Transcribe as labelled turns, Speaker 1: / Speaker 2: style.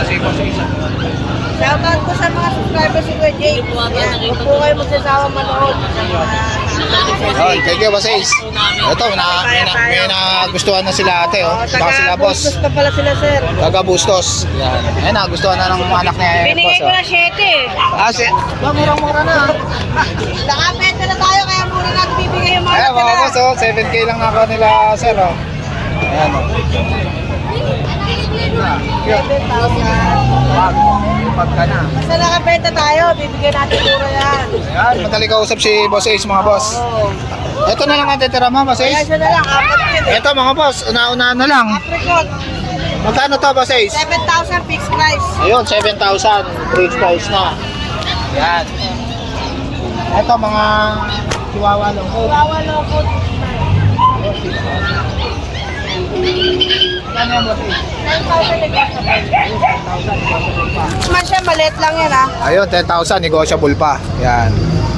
Speaker 1: si Boss Ace.
Speaker 2: Shoutout ko sa mga subscribers si Kuya Jake. Yan, huwag po kayo magsasawa manood.
Speaker 1: Oh, thank you, Boss Ace. Ito, may nagustuhan na sila ate, oh. Baka sila, boss.
Speaker 2: Taga-Bustos pa pala sila, sir.
Speaker 1: Taga Bustos. Yan. Ayun, nagustuhan na ng anak niya,
Speaker 2: Binigay
Speaker 1: boss.
Speaker 2: ko na 7 eh.
Speaker 1: Murang-mura na.
Speaker 2: Nakapenta na tayo, kaya muna natin bibigay yung mga
Speaker 1: Ayan, mga
Speaker 2: natira.
Speaker 1: boss, oh. 7K lang ako nila, sir, oh. Ayan, oh.
Speaker 2: 7,000.
Speaker 1: Pagka na.
Speaker 2: Basta nakapenta tayo, bibigyan natin mura yan.
Speaker 1: Ayan, madali kausap si Boss Ace, mga boss.
Speaker 2: Oo.
Speaker 1: Ito na lang ang titira mo, Boss
Speaker 2: Kaya
Speaker 1: Ace.
Speaker 2: siya na lang, apat yun eh.
Speaker 1: Ito, mga boss, una-una na lang.
Speaker 2: Apricot,
Speaker 1: Magkano to, Boss Ace?
Speaker 2: 7,000 fixed price.
Speaker 1: Ayun, 7,000. Bridge price na. Yan. Ito, mga chihuahua lang po.
Speaker 2: Kawawa lang po.
Speaker 1: Ano yan, Boss Ace?
Speaker 2: 9,000 negotiable. Man siya, maliit lang yan ha.
Speaker 1: Ayun, 10,000, negotiable pa. Yan.